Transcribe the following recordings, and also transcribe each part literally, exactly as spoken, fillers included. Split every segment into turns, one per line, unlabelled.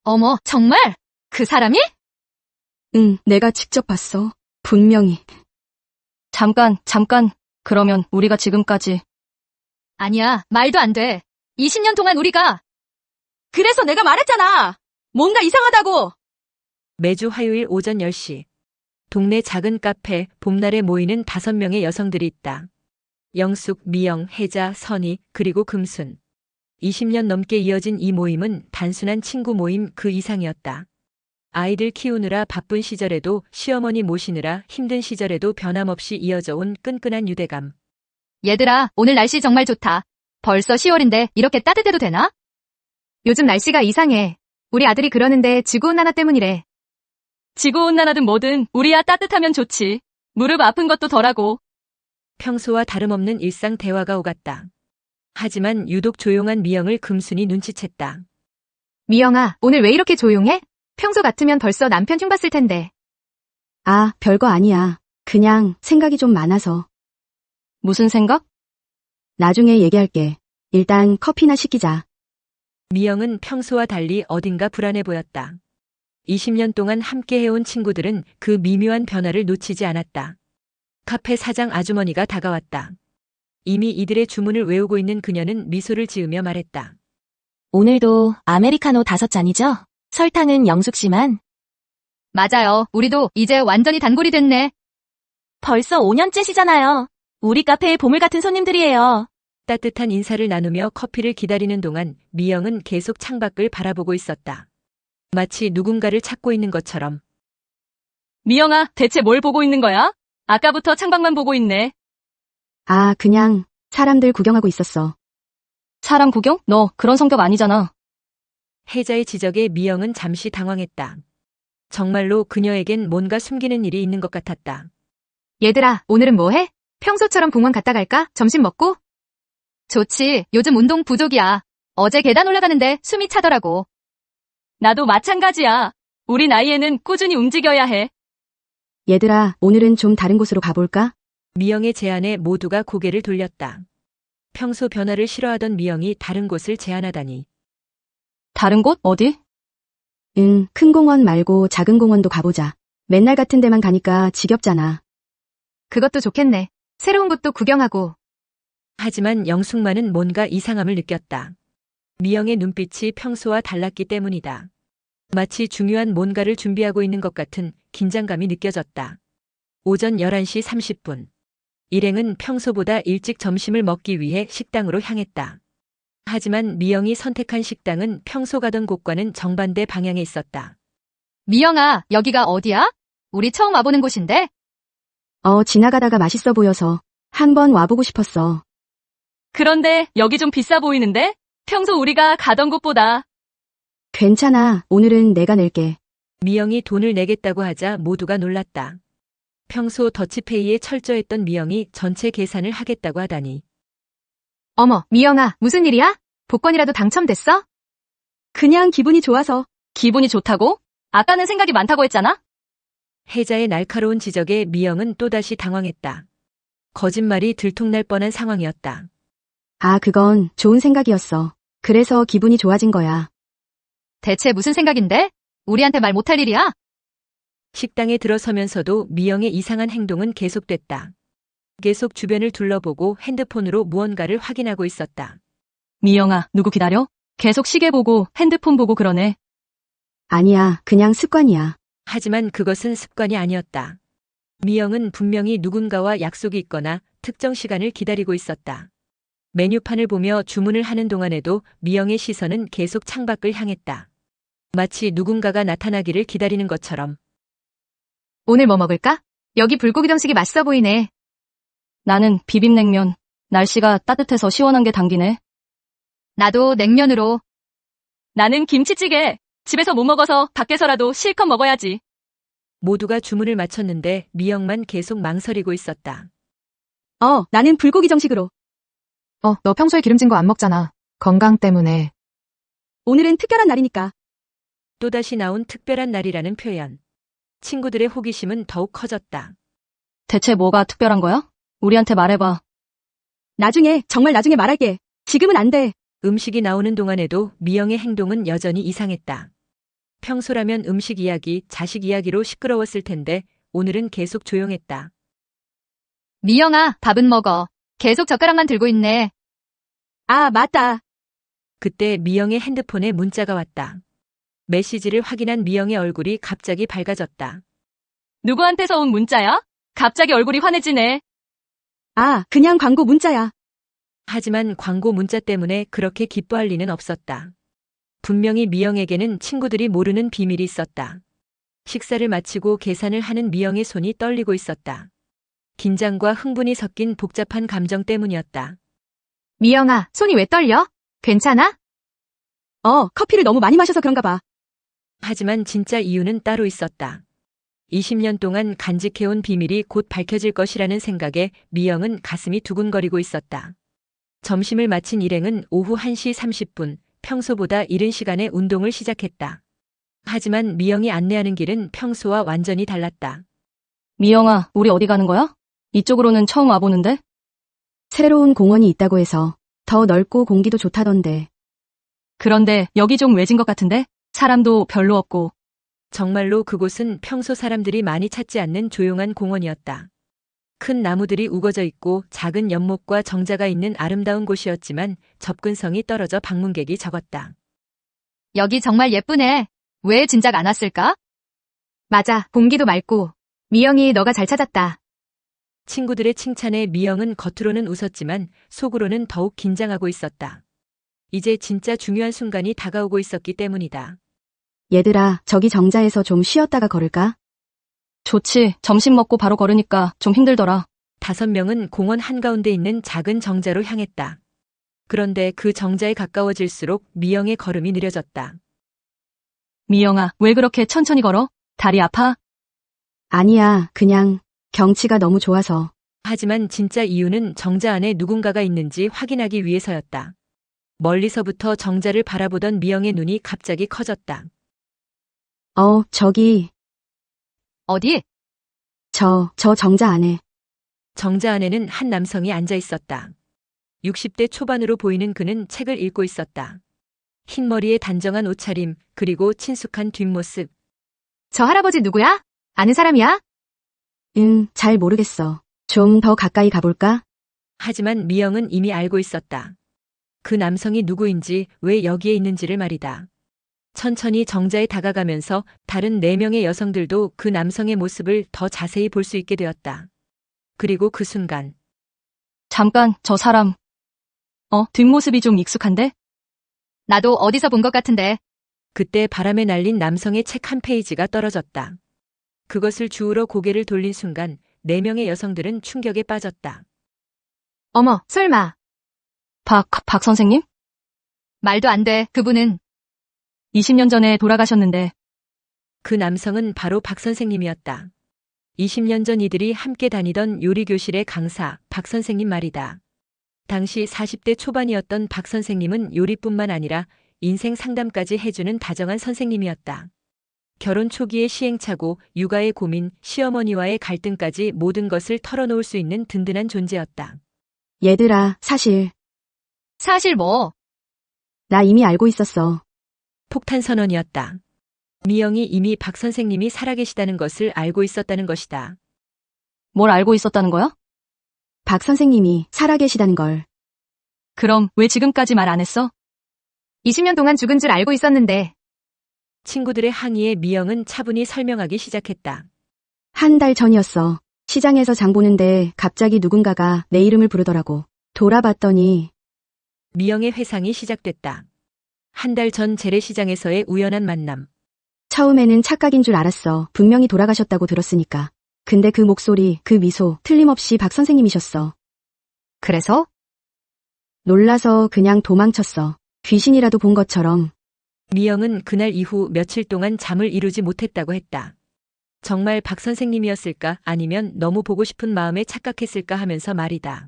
어머, 정말? 그 사람이?
응, 내가 직접 봤어. 분명히.
잠깐, 잠깐. 그러면 우리가 지금까지. 아니야, 말도 안 돼. 이십 년 동안 우리가.
그래서 내가 말했잖아. 뭔가 이상하다고.
매주 화요일 오전 열 시. 동네 작은 카페 봄날에 모이는 다섯 명의 여성들이 있다. 영숙, 미영, 혜자, 선희, 그리고 금순. 이십 년 넘게 이어진 이 모임은 단순한 친구 모임 그 이상이었다. 아이들 키우느라 바쁜 시절에도 시어머니 모시느라 힘든 시절에도 변함없이 이어져 온 끈끈한 유대감.
얘들아, 오늘 날씨 정말 좋다. 벌써 시월인데 이렇게 따뜻해도 되나? 요즘 날씨가 이상해. 우리 아들이 그러는데 지구온난화 때문이래. 지구온난화든 뭐든 우리야 따뜻하면 좋지. 무릎 아픈 것도 덜하고.
평소와 다름없는 일상 대화가 오갔다. 하지만 유독 조용한 미영을 금순이 눈치챘다.
미영아, 오늘 왜 이렇게 조용해? 평소 같으면 벌써 남편 흉봤을 텐데.
아, 별거 아니야. 그냥 생각이 좀 많아서.
무슨 생각?
나중에 얘기할게. 일단 커피나 시키자.
미영은 평소와 달리 어딘가 불안해 보였다. 이십 년 동안 함께 해온 친구들은 그 미묘한 변화를 놓치지 않았다. 카페 사장 아주머니가 다가왔다. 이미 이들의 주문을 외우고 있는 그녀는 미소를 지으며 말했다.
오늘도 아메리카노 다섯 잔이죠? 설탕은 영숙 씨만.
맞아요. 우리도 이제 완전히 단골이 됐네.
벌써 오 년째시잖아요. 우리 카페의 보물 같은 손님들이에요.
따뜻한 인사를 나누며 커피를 기다리는 동안 미영은 계속 창밖을 바라보고 있었다. 마치 누군가를 찾고 있는 것처럼.
미영아, 대체 뭘 보고 있는 거야? 아까부터 창밖만 보고 있네.
아, 그냥 사람들 구경하고 있었어.
사람 구경? 너 그런 성격 아니잖아.
혜자의 지적에 미영은 잠시 당황했다. 정말로 그녀에겐 뭔가 숨기는 일이 있는 것 같았다.
얘들아, 오늘은 뭐 해? 평소처럼 공원 갔다 갈까? 점심 먹고? 좋지. 요즘 운동 부족이야. 어제 계단 올라가는데 숨이 차더라고. 나도 마찬가지야. 우리 나이에는 꾸준히 움직여야 해.
얘들아, 오늘은 좀 다른 곳으로 가볼까?
미영의 제안에 모두가 고개를 돌렸다. 평소 변화를 싫어하던 미영이 다른 곳을 제안하다니.
다른 곳? 어디?
응, 큰 공원 말고 작은 공원도 가보자. 맨날 같은 데만 가니까 지겹잖아.
그것도 좋겠네. 새로운 곳도 구경하고.
하지만 영숙만은 뭔가 이상함을 느꼈다. 미영의 눈빛이 평소와 달랐기 때문이다. 마치 중요한 뭔가를 준비하고 있는 것 같은 긴장감이 느껴졌다. 오전 열한 시 삼십 분. 일행은 평소보다 일찍 점심을 먹기 위해 식당으로 향했다. 하지만 미영이 선택한 식당은 평소 가던 곳과는 정반대 방향에 있었다.
미영아, 여기가 어디야? 우리 처음 와보는 곳인데?
어, 지나가다가 맛있어 보여서 한번 와보고 싶었어.
그런데 여기 좀 비싸 보이는데? 평소 우리가 가던 곳보다.
괜찮아. 오늘은 내가 낼게.
미영이 돈을 내겠다고 하자 모두가 놀랐다. 평소 더치페이에 철저했던 미영이 전체 계산을 하겠다고 하다니.
어머, 미영아, 무슨 일이야? 복권이라도 당첨됐어?
그냥 기분이 좋아서.
기분이 좋다고? 아까는 생각이 많다고 했잖아?
혜자의 날카로운 지적에 미영은 또다시 당황했다. 거짓말이 들통날 뻔한 상황이었다.
아, 그건 좋은 생각이었어. 그래서 기분이 좋아진 거야.
대체 무슨 생각인데? 우리한테 말 못할 일이야?
식당에 들어서면서도 미영의 이상한 행동은 계속됐다. 계속 주변을 둘러보고 핸드폰으로 무언가를 확인하고 있었다.
미영아, 누구 기다려? 계속 시계 보고 핸드폰 보고 그러네.
아니야, 그냥 습관이야.
하지만 그것은 습관이 아니었다. 미영은 분명히 누군가와 약속이 있거나 특정 시간을 기다리고 있었다. 메뉴판을 보며 주문을 하는 동안에도 미영의 시선은 계속 창밖을 향했다. 마치 누군가가 나타나기를 기다리는 것처럼.
오늘 뭐 먹을까? 여기 불고기 정식이 맛있어 보이네. 나는 비빔냉면. 날씨가 따뜻해서 시원한 게 당기네. 나도 냉면으로. 나는 김치찌개. 집에서 못 먹어서 밖에서라도 실컷 먹어야지.
모두가 주문을 마쳤는데 미영만 계속 망설이고 있었다.
어, 나는 불고기 정식으로.
어, 너 평소에 기름진 거 안 먹잖아. 건강 때문에.
오늘은 특별한 날이니까.
또다시 나온 특별한 날이라는 표현. 친구들의 호기심은 더욱 커졌다.
대체 뭐가 특별한 거야? 우리한테 말해봐.
나중에, 정말 나중에 말할게. 지금은 안 돼.
음식이 나오는 동안에도 미영의 행동은 여전히 이상했다. 평소라면 음식 이야기, 자식 이야기로 시끄러웠을 텐데 오늘은 계속 조용했다.
미영아, 밥은 먹어. 계속 젓가락만 들고 있네.
아, 맞다.
그때 미영의 핸드폰에 문자가 왔다. 메시지를 확인한 미영의 얼굴이 갑자기 밝아졌다.
누구한테서 온 문자야? 갑자기 얼굴이 환해지네.
아, 그냥 광고 문자야.
하지만 광고 문자 때문에 그렇게 기뻐할 리는 없었다. 분명히 미영에게는 친구들이 모르는 비밀이 있었다. 식사를 마치고 계산을 하는 미영의 손이 떨리고 있었다. 긴장과 흥분이 섞인 복잡한 감정 때문이었다.
미영아, 손이 왜 떨려? 괜찮아?
어, 커피를 너무 많이 마셔서 그런가 봐.
하지만 진짜 이유는 따로 있었다. 이십 년 동안 간직해온 비밀이 곧 밝혀질 것이라는 생각에 미영은 가슴이 두근거리고 있었다. 점심을 마친 일행은 오후 한 시 삼십 분, 평소보다 이른 시간에 운동을 시작했다. 하지만 미영이 안내하는 길은 평소와 완전히 달랐다.
미영아, 우리 어디 가는 거야? 이쪽으로는 처음 와보는데?
새로운 공원이 있다고 해서 더 넓고 공기도 좋다던데.
그런데 여기 좀 외진 것 같은데? 사람도 별로 없고.
정말로 그곳은 평소 사람들이 많이 찾지 않는 조용한 공원이었다. 큰 나무들이 우거져 있고 작은 연못과 정자가 있는 아름다운 곳이었지만 접근성이 떨어져 방문객이 적었다.
여기 정말 예쁘네. 왜 진작 안 왔을까? 맞아, 공기도 맑고. 미영이 너가 잘 찾았다.
친구들의 칭찬에 미영은 겉으로는 웃었지만 속으로는 더욱 긴장하고 있었다. 이제 진짜 중요한 순간이 다가오고 있었기 때문이다.
얘들아, 저기 정자에서 좀 쉬었다가 걸을까?
좋지, 점심 먹고 바로 걸으니까 좀 힘들더라.
다섯 명은 공원 한가운데 있는 작은 정자로 향했다. 그런데 그 정자에 가까워질수록 미영의 걸음이 느려졌다.
미영아, 왜 그렇게 천천히 걸어? 다리 아파?
아니야, 그냥 경치가 너무 좋아서.
하지만 진짜 이유는 정자 안에 누군가가 있는지 확인하기 위해서였다. 멀리서부터 정자를 바라보던 미영의 눈이 갑자기 커졌다.
어, 저기,
어디?
저, 저 정자 안에.
정자 안에는 한 남성이 앉아 있었다. 육십 대 초반으로 보이는 그는 책을 읽고 있었다. 흰 머리에 단정한 옷차림, 그리고 친숙한 뒷모습.
저 할아버지 누구야? 아는 사람이야?
응, 잘 모르겠어. 좀 더 가까이 가볼까?
하지만 미영은 이미 알고 있었다. 그 남성이 누구인지, 왜 여기에 있는지를 말이다. 천천히 정자에 다가가면서 다른 네 명의 여성들도 그 남성의 모습을 더 자세히 볼 수 있게 되었다. 그리고 그 순간
잠깐, 저 사람. 어, 뒷모습이 좀 익숙한데? 나도 어디서 본 것 같은데.
그때 바람에 날린 남성의 책 한 페이지가 떨어졌다. 그것을 주우러 고개를 돌린 순간 네 명의 여성들은 충격에 빠졌다.
어머, 설마. 박, 박 선생님? 말도 안 돼, 그분은. 이십 년 전에 돌아가셨는데.
그 남성은 바로 박 선생님이었다. 이십 년 전 이들이 함께 다니던 요리교실의 강사, 박 선생님 말이다. 당시 사십 대 초반이었던 박 선생님은 요리뿐만 아니라 인생 상담까지 해주는 다정한 선생님이었다. 결혼 초기의 시행착오, 육아의 고민, 시어머니와의 갈등까지 모든 것을 털어놓을 수 있는 든든한 존재였다.
얘들아, 사실,
사실 뭐.
나 이미 알고 있었어.
폭탄 선언이었다. 미영이 이미 박 선생님이 살아계시다는 것을 알고 있었다는 것이다.
뭘 알고 있었다는 거야?
박 선생님이 살아계시다는 걸.
그럼 왜 지금까지 말 안 했어? 이십 년 동안 죽은 줄 알고 있었는데.
친구들의 항의에 미영은 차분히 설명하기 시작했다.
한 달 전이었어. 시장에서 장 보는데 갑자기 누군가가 내 이름을 부르더라고. 돌아봤더니
미영의 회상이 시작됐다. 한 달 전 재래시장에서의 우연한 만남.
처음에는 착각인 줄 알았어. 분명히 돌아가셨다고 들었으니까. 근데 그 목소리, 그 미소, 틀림없이 박 선생님이셨어.
그래서?
놀라서 그냥 도망쳤어. 귀신이라도 본 것처럼.
미영은 그날 이후 며칠 동안 잠을 이루지 못했다고 했다. 정말 박 선생님이었을까 아니면 너무 보고 싶은 마음에 착각했을까 하면서 말이다.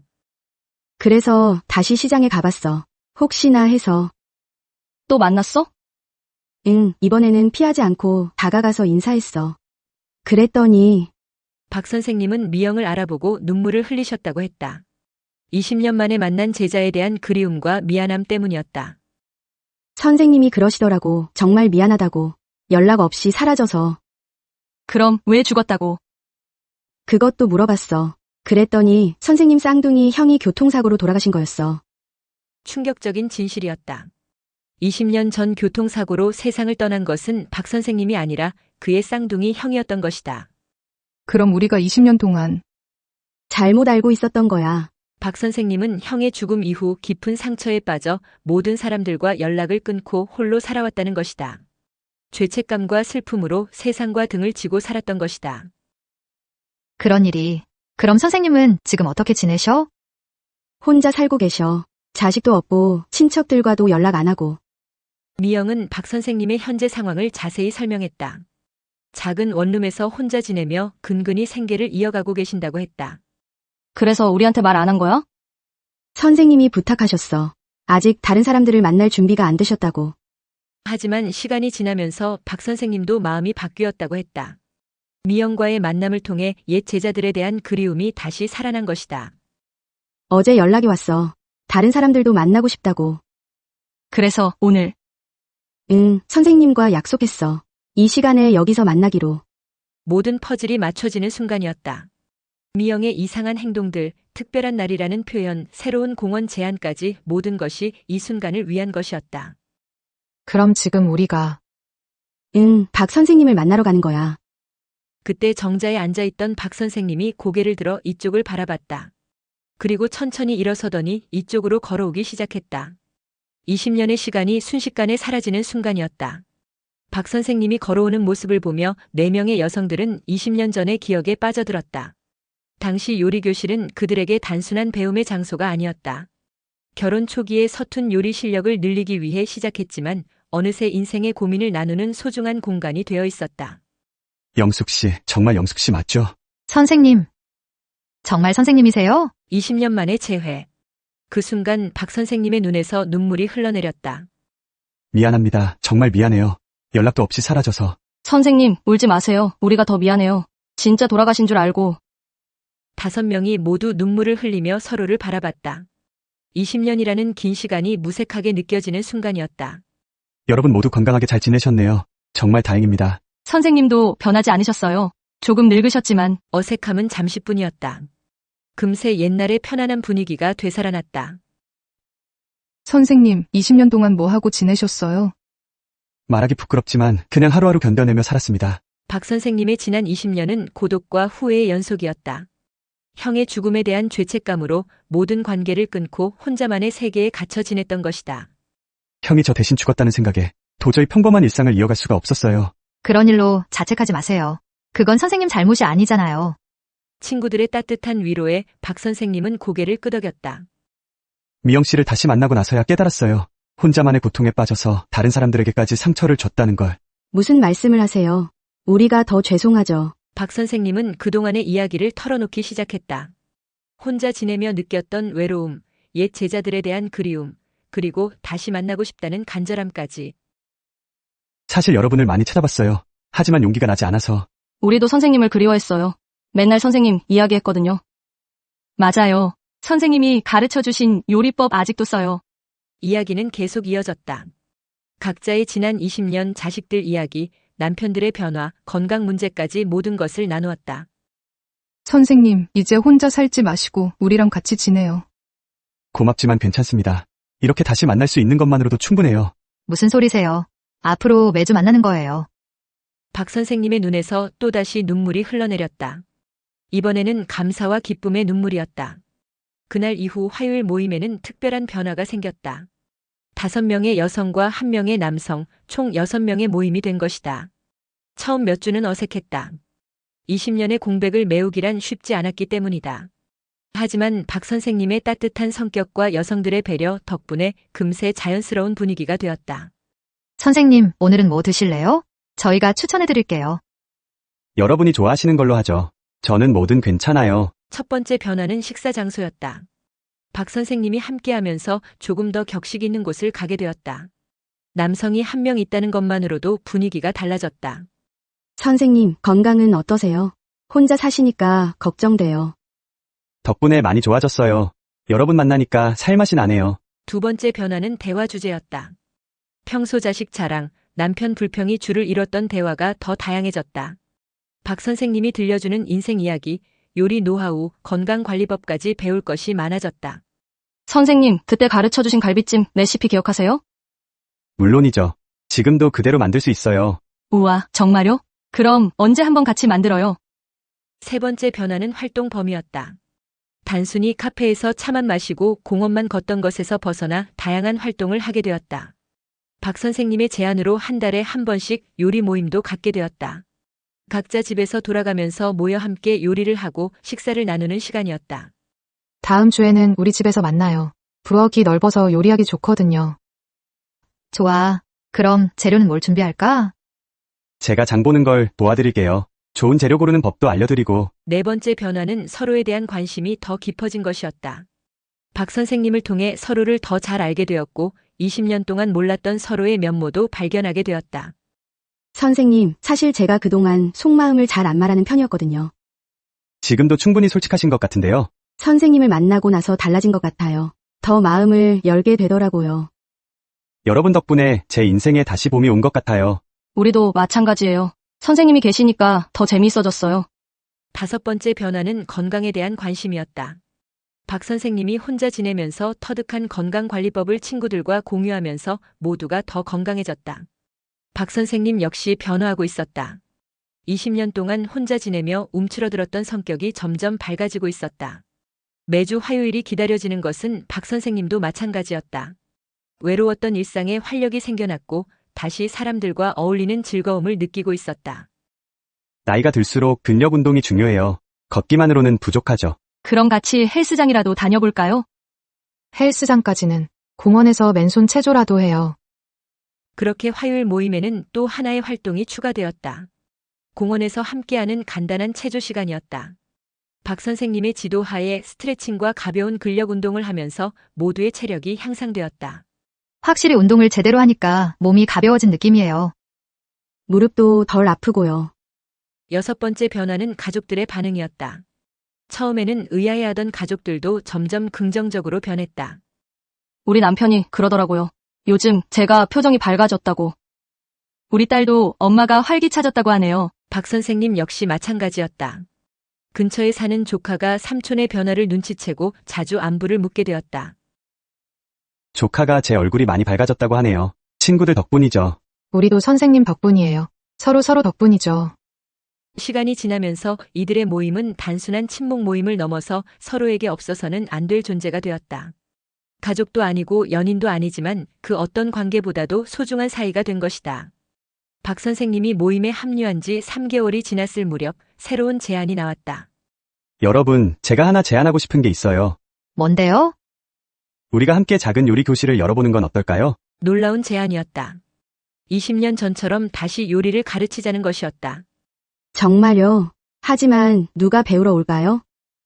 그래서 다시 시장에 가봤어. 혹시나 해서.
또 만났어?
응, 이번에는 피하지 않고 다가가서 인사했어. 그랬더니
박 선생님은 미영을 알아보고 눈물을 흘리셨다고 했다. 이십 년 만에 만난 제자에 대한 그리움과 미안함 때문이었다.
선생님이 그러시더라고. 정말 미안하다고. 연락 없이 사라져서.
그럼 왜 죽었다고?
그것도 물어봤어. 그랬더니 선생님 쌍둥이 형이 교통사고로 돌아가신 거였어.
충격적인 진실이었다. 이십 년 전 교통사고로 세상을 떠난 것은 박 선생님이 아니라 그의 쌍둥이 형이었던 것이다.
그럼 우리가 이십 년 동안
잘못 알고 있었던 거야.
박 선생님은 형의 죽음 이후 깊은 상처에 빠져 모든 사람들과 연락을 끊고 홀로 살아왔다는 것이다. 죄책감과 슬픔으로 세상과 등을 지고 살았던 것이다.
그런 일이. 그럼 선생님은 지금 어떻게 지내셔?
혼자 살고 계셔. 자식도 없고 친척들과도 연락 안 하고.
미영은 박 선생님의 현재 상황을 자세히 설명했다. 작은 원룸에서 혼자 지내며 근근히 생계를 이어가고 계신다고 했다.
그래서 우리한테 말 안 한 거야?
선생님이 부탁하셨어. 아직 다른 사람들을 만날 준비가 안 되셨다고.
하지만 시간이 지나면서 박 선생님도 마음이 바뀌었다고 했다. 미영과의 만남을 통해 옛 제자들에 대한 그리움이 다시 살아난 것이다.
어제 연락이 왔어. 다른 사람들도 만나고 싶다고.
그래서 오늘
응, 선생님과 약속했어. 이 시간에 여기서 만나기로.
모든 퍼즐이 맞춰지는 순간이었다. 미영의 이상한 행동들, 특별한 날이라는 표현, 새로운 공원 제안까지 모든 것이 이 순간을 위한 것이었다.
그럼 지금 우리가
응, 박 선생님을 만나러 가는 거야.
그때 정자에 앉아있던 박 선생님이 고개를 들어 이쪽을 바라봤다. 그리고 천천히 일어서더니 이쪽으로 걸어오기 시작했다. 이십 년의 시간이 순식간에 사라지는 순간이었다. 박 선생님이 걸어오는 모습을 보며 네 명의 여성들은 이십 년 전의 기억에 빠져들었다. 당시 요리교실은 그들에게 단순한 배움의 장소가 아니었다. 결혼 초기에 서툰 요리 실력을 늘리기 위해 시작했지만 어느새 인생의 고민을 나누는 소중한 공간이 되어 있었다.
영숙 씨, 정말 영숙 씨 맞죠?
선생님. 정말 선생님이세요?
이십 년 만의 재회. 그 순간 박 선생님의 눈에서 눈물이 흘러내렸다.
미안합니다. 정말 미안해요. 연락도 없이 사라져서.
선생님, 울지 마세요. 우리가 더 미안해요. 진짜 돌아가신 줄 알고.
다섯 명이 모두 눈물을 흘리며 서로를 바라봤다. 이십 년이라는 긴 시간이 무색하게 느껴지는 순간이었다.
여러분 모두 건강하게 잘 지내셨네요. 정말 다행입니다.
선생님도 변하지 않으셨어요. 조금 늙으셨지만.
어색함은 잠시뿐이었다. 금세 옛날의 편안한 분위기가 되살아났다.
선생님, 이십 년 동안 뭐 하고 지내셨어요?
말하기 부끄럽지만 그냥 하루하루 견뎌내며 살았습니다.
박 선생님의 지난 이십 년은 고독과 후회의 연속이었다. 형의 죽음에 대한 죄책감으로 모든 관계를 끊고 혼자만의 세계에 갇혀 지냈던 것이다.
형이 저 대신 죽었다는 생각에 도저히 평범한 일상을 이어갈 수가 없었어요.
그런 일로 자책하지 마세요. 그건 선생님 잘못이 아니잖아요.
친구들의 따뜻한 위로에 박 선생님은 고개를 끄덕였다.
미영 씨를 다시 만나고 나서야 깨달았어요. 혼자만의 고통에 빠져서 다른 사람들에게까지 상처를 줬다는 걸.
무슨 말씀을 하세요? 우리가 더 죄송하죠.
박 선생님은 그동안의 이야기를 털어놓기 시작했다. 혼자 지내며 느꼈던 외로움, 옛 제자들에 대한 그리움, 그리고 다시 만나고 싶다는 간절함까지.
사실 여러분을 많이 찾아봤어요. 하지만 용기가 나지 않아서.
우리도 선생님을 그리워했어요. 맨날 선생님 이야기했거든요. 맞아요. 선생님이 가르쳐주신 요리법 아직도 써요.
이야기는 계속 이어졌다. 각자의 지난 이십 년 자식들 이야기, 남편들의 변화, 건강 문제까지 모든 것을 나누었다.
선생님, 이제 혼자 살지 마시고 우리랑 같이 지내요.
고맙지만 괜찮습니다. 이렇게 다시 만날 수 있는 것만으로도 충분해요.
무슨 소리세요? 앞으로 매주 만나는 거예요.
박 선생님의 눈에서 또다시 눈물이 흘러내렸다. 이번에는 감사와 기쁨의 눈물이었다. 그날 이후 화요일 모임에는 특별한 변화가 생겼다. 다섯 명의 여성과 한 명의 남성, 총 여섯 명의 모임이 된 것이다. 처음 몇 주는 어색했다. 이십 년의 공백을 메우기란 쉽지 않았기 때문이다. 하지만 박 선생님의 따뜻한 성격과 여성들의 배려 덕분에 금세 자연스러운 분위기가 되었다.
선생님, 오늘은 뭐 드실래요? 저희가 추천해드릴게요.
여러분이 좋아하시는 걸로 하죠. 저는 뭐든 괜찮아요.
첫 번째 변화는 식사 장소였다. 박 선생님이 함께하면서 조금 더 격식 있는 곳을 가게 되었다. 남성이 한 명 있다는 것만으로도 분위기가 달라졌다.
선생님, 건강은 어떠세요? 혼자 사시니까 걱정돼요.
덕분에 많이 좋아졌어요. 여러분 만나니까 살맛이 나네요.
두 번째 변화는 대화 주제였다. 평소 자식 자랑, 남편 불평이 줄을 잃었던 대화가 더 다양해졌다. 박 선생님이 들려주는 인생 이야기, 요리 노하우, 건강관리법까지 배울 것이 많아졌다.
선생님, 그때 가르쳐주신 갈비찜 레시피 기억하세요?
물론이죠. 지금도 그대로 만들 수 있어요.
우와, 정말요? 그럼 언제 한번 같이 만들어요?
세 번째 변화는 활동 범위였다. 단순히 카페에서 차만 마시고 공원만 걷던 것에서 벗어나 다양한 활동을 하게 되었다. 박 선생님의 제안으로 한 달에 한 번씩 요리 모임도 갖게 되었다. 각자 집에서 돌아가면서 모여 함께 요리를 하고 식사를 나누는 시간이었다.
다음 주에는 우리 집에서 만나요. 부엌이 넓어서 요리하기 좋거든요.
좋아. 그럼 재료는 뭘 준비할까?
제가 장 보는 걸 도와드릴게요. 좋은 재료 고르는 법도 알려드리고.
네 번째 변화는 서로에 대한 관심이 더 깊어진 것이었다. 박 선생님을 통해 서로를 더 잘 알게 되었고 이십 년 동안 몰랐던 서로의 면모도 발견하게 되었다.
선생님, 사실 제가 그동안 속마음을 잘 안 말하는 편이었거든요.
지금도 충분히 솔직하신 것 같은데요.
선생님을 만나고 나서 달라진 것 같아요. 더 마음을 열게 되더라고요.
여러분 덕분에 제 인생에 다시 봄이 온 것 같아요.
우리도 마찬가지예요. 선생님이 계시니까 더 재미있어졌어요.
다섯 번째 변화는 건강에 대한 관심이었다. 박 선생님이 혼자 지내면서 터득한 건강관리법을 친구들과 공유하면서 모두가 더 건강해졌다. 박 선생님 역시 변화하고 있었다. 이십 년 동안 혼자 지내며 움츠러들었던 성격이 점점 밝아지고 있었다. 매주 화요일이 기다려지는 것은 박 선생님도 마찬가지였다. 외로웠던 일상에 활력이 생겨났고 다시 사람들과 어울리는 즐거움을 느끼고 있었다.
나이가 들수록 근력 운동이 중요해요. 걷기만으로는 부족하죠.
그럼 같이 헬스장이라도 다녀볼까요?
헬스장까지는 공원에서 맨손 체조라도 해요.
그렇게 화요일 모임에는 또 하나의 활동이 추가되었다. 공원에서 함께하는 간단한 체조 시간이었다. 박 선생님의 지도하에 스트레칭과 가벼운 근력 운동을 하면서 모두의 체력이 향상되었다.
확실히 운동을 제대로 하니까 몸이 가벼워진 느낌이에요.
무릎도 덜 아프고요.
여섯 번째 변화는 가족들의 반응이었다. 처음에는 의아해하던 가족들도 점점 긍정적으로 변했다.
우리 남편이 그러더라고요. 요즘 제가 표정이 밝아졌다고. 우리 딸도 엄마가 활기차졌다고 하네요.
박 선생님 역시 마찬가지였다. 근처에 사는 조카가 삼촌의 변화를 눈치채고 자주 안부를 묻게 되었다.
조카가 제 얼굴이 많이 밝아졌다고 하네요. 친구들 덕분이죠.
우리도 선생님 덕분이에요. 서로 서로 덕분이죠.
시간이 지나면서 이들의 모임은 단순한 친목 모임을 넘어서 서로에게 없어서는 안 될 존재가 되었다. 가족도 아니고 연인도 아니지만 그 어떤 관계보다도 소중한 사이가 된 것이다. 박 선생님이 모임에 합류한 지 삼 개월이 지났을 무렵 새로운 제안이 나왔다.
여러분, 제가 하나 제안하고 싶은 게 있어요.
뭔데요?
우리가 함께 작은 요리 교실을 열어보는 건 어떨까요?
놀라운 제안이었다. 이십 년 전처럼 다시 요리를 가르치자는 것이었다.
정말요? 하지만 누가 배우러 올까요?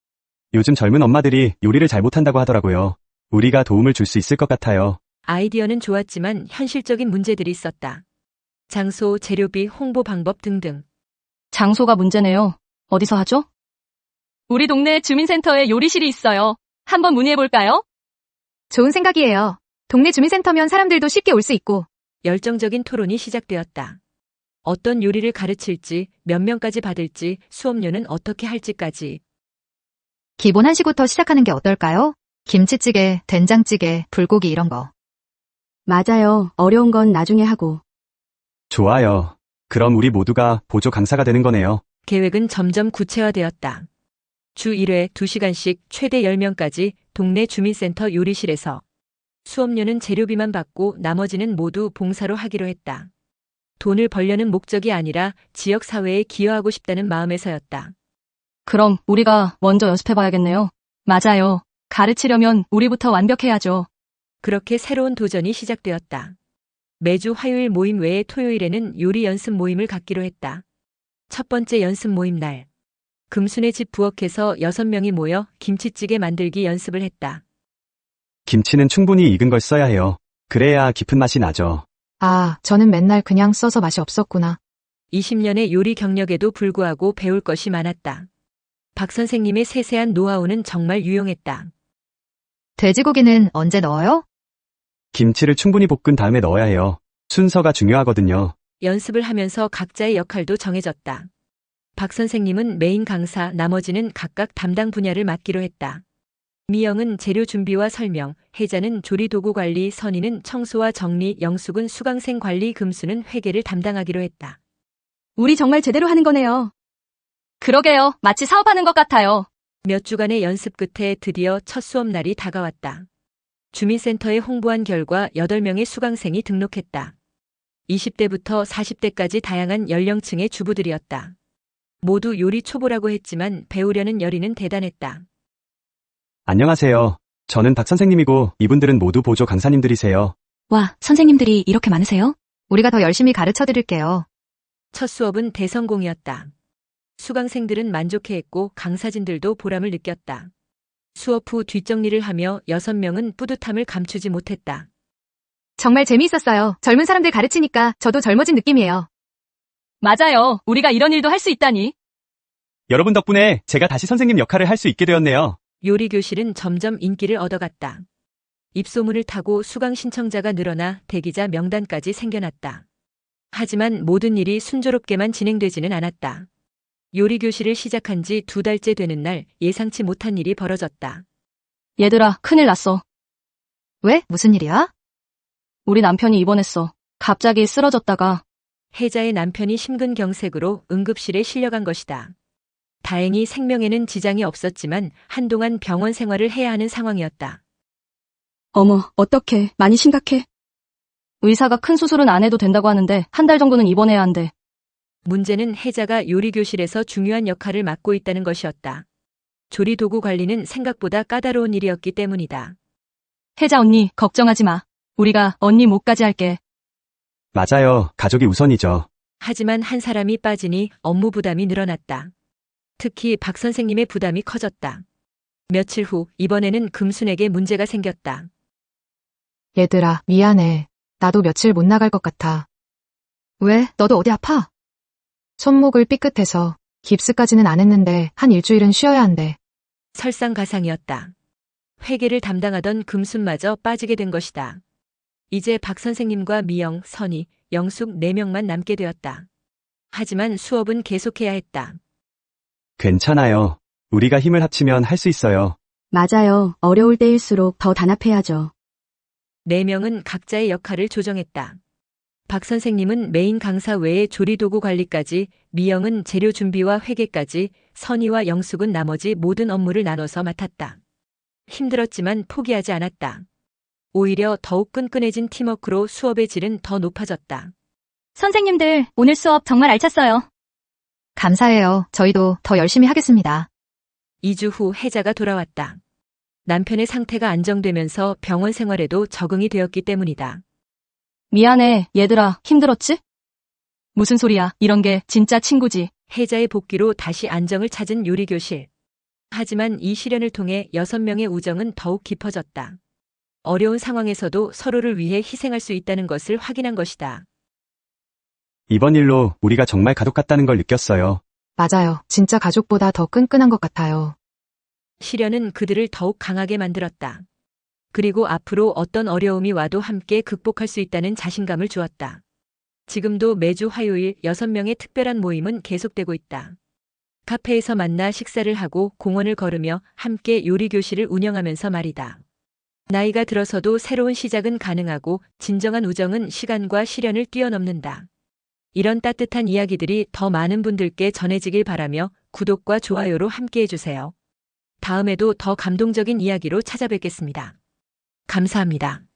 요즘 젊은 엄마들이 요리를 잘 못한다고 하더라고요. 우리가 도움을 줄 수 있을 것 같아요.
아이디어는 좋았지만 현실적인 문제들이 있었다. 장소, 재료비, 홍보 방법 등등.
장소가 문제네요. 어디서 하죠? 우리 동네 주민센터에 요리실이 있어요. 한번 문의해볼까요?
좋은 생각이에요. 동네 주민센터면 사람들도 쉽게 올 수 있고.
열정적인 토론이 시작되었다. 어떤 요리를 가르칠지, 몇 명까지 받을지, 수업료는 어떻게 할지까지.
기본 한식부터 시작하는 게 어떨까요? 김치찌개, 된장찌개, 불고기 이런 거.
맞아요. 어려운 건 나중에 하고.
좋아요. 그럼 우리 모두가 보조 강사가 되는 거네요.
계획은 점점 구체화되었다. 주 일 회 두 시간씩 최대 열 명까지 동네 주민센터 요리실에서 수업료는 재료비만 받고 나머지는 모두 봉사로 하기로 했다. 돈을 벌려는 목적이 아니라 지역 사회에 기여하고 싶다는 마음에서였다.
그럼 우리가 먼저 연습해봐야겠네요. 맞아요. 가르치려면 우리부터 완벽해야죠.
그렇게 새로운 도전이 시작되었다. 매주 화요일 모임 외에 토요일에는 요리 연습 모임을 갖기로 했다. 첫 번째 연습 모임 날. 금순의 집 부엌에서 여섯 명이 모여 김치찌개 만들기 연습을 했다.
김치는 충분히 익은 걸 써야 해요. 그래야 깊은 맛이 나죠.
아, 저는 맨날 그냥 써서 맛이 없었구나.
이십 년의 요리 경력에도 불구하고 배울 것이 많았다. 박 선생님의 세세한 노하우는 정말 유용했다.
돼지고기는 언제 넣어요?
김치를 충분히 볶은 다음에 넣어야 해요. 순서가 중요하거든요.
연습을 하면서 각자의 역할도 정해졌다. 박 선생님은 메인 강사, 나머지는 각각 담당 분야를 맡기로 했다. 미영은 재료 준비와 설명, 혜자는 조리도구 관리, 선희는 청소와 정리, 영숙은 수강생 관리, 금수는 회계를 담당하기로 했다.
우리 정말 제대로 하는 거네요.
그러게요. 마치 사업하는 것 같아요.
몇 주간의 연습 끝에 드디어 첫 수업 날이 다가왔다. 주민센터에 홍보한 결과 여덟 명의 수강생이 등록했다. 이십 대부터 사십 대까지 다양한 연령층의 주부들이었다. 모두 요리 초보라고 했지만 배우려는 열의는 대단했다.
안녕하세요. 저는 박 선생님이고 이분들은 모두 보조 강사님들이세요.
와, 선생님들이 이렇게 많으세요? 우리가 더 열심히 가르쳐 드릴게요.
첫 수업은 대성공이었다. 수강생들은 만족해했고 강사진들도 보람을 느꼈다. 수업 후 뒷정리를 하며 여섯 명은 뿌듯함을 감추지 못했다.
정말 재미있었어요. 젊은 사람들 가르치니까 저도 젊어진 느낌이에요. 맞아요. 우리가 이런 일도 할 수 있다니.
여러분 덕분에 제가 다시 선생님 역할을 할 수 있게 되었네요.
요리 교실은 점점 인기를 얻어갔다. 입소문을 타고 수강 신청자가 늘어나 대기자 명단까지 생겨났다. 하지만 모든 일이 순조롭게만 진행되지는 않았다. 요리 교실을 시작한 지 두 달째 되는 날 예상치 못한 일이 벌어졌다.
얘들아, 큰일 났어. 왜? 무슨 일이야? 우리 남편이 입원했어. 갑자기 쓰러졌다가.
혜자의 남편이 심근경색으로 응급실에 실려간 것이다. 다행히 생명에는 지장이 없었지만 한동안 병원 생활을 해야 하는 상황이었다.
어머, 어떡해. 많이 심각해.
의사가 큰 수술은 안 해도 된다고 하는데 한 달 정도는 입원해야 한대.
문제는 혜자가 요리교실에서 중요한 역할을 맡고 있다는 것이었다. 조리도구 관리는 생각보다 까다로운 일이었기 때문이다.
혜자 언니, 걱정하지 마. 우리가 언니 목까지 할게.
맞아요. 가족이 우선이죠.
하지만 한 사람이 빠지니 업무 부담이 늘어났다. 특히 박 선생님의 부담이 커졌다. 며칠 후 이번에는 금순에게 문제가 생겼다.
얘들아, 미안해. 나도 며칠 못 나갈 것 같아. 왜? 너도 어디 아파? 손목을 삐끗해서 깁스까지는 안 했는데 한 일주일은 쉬어야 한대.
설상가상이었다. 회계를 담당하던 금순마저 빠지게 된 것이다. 이제 박 선생님과 미영, 선희, 영숙 네 명만 남게 되었다. 하지만 수업은 계속해야 했다.
괜찮아요. 우리가 힘을 합치면 할 수 있어요.
맞아요. 어려울 때일수록 더 단합해야죠.
네 명은 각자의 역할을 조정했다. 박 선생님은 메인 강사 외에 조리도구 관리까지, 미영은 재료 준비와 회계까지, 선희와 영숙은 나머지 모든 업무를 나눠서 맡았다. 힘들었지만 포기하지 않았다. 오히려 더욱 끈끈해진 팀워크로 수업의 질은 더 높아졌다.
선생님들, 오늘 수업 정말 알찼어요. 감사해요. 저희도 더 열심히 하겠습니다.
이 주 후 혜자가 돌아왔다. 남편의 상태가 안정되면서 병원 생활에도 적응이 되었기 때문이다.
미안해, 얘들아. 힘들었지? 무슨 소리야. 이런 게 진짜 친구지.
혜자의 복귀로 다시 안정을 찾은 요리교실. 하지만 이 시련을 통해 여섯 명의 우정은 더욱 깊어졌다. 어려운 상황에서도 서로를 위해 희생할 수 있다는 것을 확인한 것이다.
이번 일로 우리가 정말 가족 같다는 걸 느꼈어요.
맞아요. 진짜 가족보다 더 끈끈한 것 같아요.
시련은 그들을 더욱 강하게 만들었다. 그리고 앞으로 어떤 어려움이 와도 함께 극복할 수 있다는 자신감을 주었다. 지금도 매주 화요일 여섯 명의 특별한 모임은 계속되고 있다. 카페에서 만나 식사를 하고 공원을 걸으며 함께 요리교실을 운영하면서 말이다. 나이가 들어서도 새로운 시작은 가능하고 진정한 우정은 시간과 시련을 뛰어넘는다. 이런 따뜻한 이야기들이 더 많은 분들께 전해지길 바라며 구독과 좋아요로 함께 해주세요. 다음에도 더 감동적인 이야기로 찾아뵙겠습니다. 감사합니다.